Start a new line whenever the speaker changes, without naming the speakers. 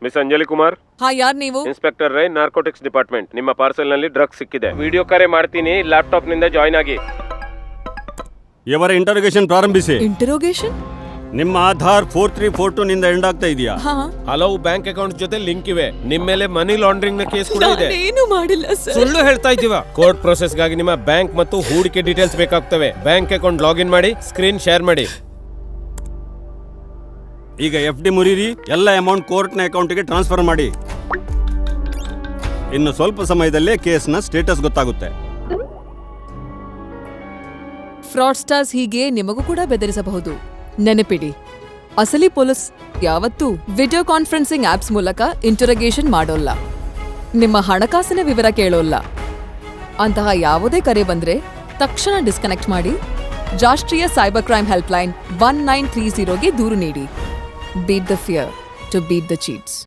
Miss Anjali Kumar.
ಹಾ, ಯಾರ್ ನೀವು?
Inspector Rai, narcotics department. ನಿಮ್ಮ ಪಾರ್ಸಲ್ ನಲ್ಲಿ ಡ್ರಗ್ಸ್ ಸಿಕ್ಕಿದೆ. ವಿಡಿಯೋ ಕರೆ ಮಾಡ್ತೀನಿ, ಲ್ಯಾಪ್ಟಾಪ್ ನಿಂದ ಜಾಯ್ನ್ ಆಗಿ.
ಇವರ ಇಂಟರೋಗೇಷನ್ ಪ್ರಾರಂಭಿಸಿ.
ಇಂಟರೋಗೇಷನ್?
ನಿಮ್ಮ ಆಧಾರ್ 4342 ನಿಂದ ಎಂಡ್ ಆಗ್ತಾ ಇದೆಯಾ?
ಹಾ,
ಹಲವು ಬ್ಯಾಂಕ್ ಅಕೌಂಟ್ ಜೊತೆ ಲಿಂಕ್ ಇವೆ. ನಿಮ್ಮ ಮೇಲೆ ಮನಿ ಲಾಂಡ್ರಿಂಗ್ ನ ಕೇಸ್ ಕೂಡ ಇದೆ.
ಏನು ಮಾಡಿಲ್ಲ ಸರ್.
ಸುಳ್ಳು ಹೇಳ್ತಾ ಇದ್ದೀವಾ? ಕೋರ್ಟ್ ಪ್ರೊಸೆಸ್ ಗಾಗಿ ನಿಮ್ಮ ಬ್ಯಾಂಕ್ ಮತ್ತು ಹೂಡಿಕೆ ಡೀಟೇಲ್ಸ್ ಬೇಕಾಗ್ತವೆ. ಬ್ಯಾಂಕ್ ಅಕೌಂಟ್ ಲಾಗಿನ್ ಮಾಡಿ, ಸ್ಕ್ರೀನ್ ಶೇರ್ ಮಾಡಿ.
ಈಗ FD ಮುರಿರಿ, ಎಲ್ಲ ಅಮೌಂಟ್ ಕೋರ್ಟ್ನ ಅಕೌಂಟ್ಗೆ ಟ್ರಾನ್ಸ್ಫರ್ ಮಾಡಿ. ಇನ್ನು ಸ್ವಲ್ಪ ಸಮಯದಲ್ಲೇ ಕೇಸ್ನ ಸ್ಟೇಟಸ್ ಗೊತ್ತಾಗುತ್ತೆ.
ಫ್ರಾಡ್ಸ್ಟರ್ಸ್ ಹೀಗೆ ನಿಮಗೂ ಕೂಡ ಬೆದರಿಸಬಹುದು. ನೆನಪಿಡಿ, ಅಸಲಿ ಪೊಲೀಸ್ ಯಾವತ್ತೂ ವಿಡಿಯೋ ಕಾನ್ಫರೆನ್ಸಿಂಗ್ ಆಪ್ಸ್ ಮೂಲಕ ಇಂಟರೋಗೇಷನ್ ಮಾಡೋಲ್ಲ, ನಿಮ್ಮ ಹಣಕಾಸಿನ ವಿವರ ಕೇಳೋಲ್ಲ. ಅಂತಹ ಯಾವುದೇ ಕರೆ ಬಂದ್ರೆ ತಕ್ಷಣ ಡಿಸ್ಕನೆಕ್ಟ್ ಮಾಡಿ ರಾಷ್ಟ್ರೀಯ ಸೈಬರ್ ಕ್ರೈಮ್ ಹೆಲ್ಪ್ಲೈನ್ 1930ಗೆ ದೂರು ನೀಡಿ. Beat the fear to beat the cheats.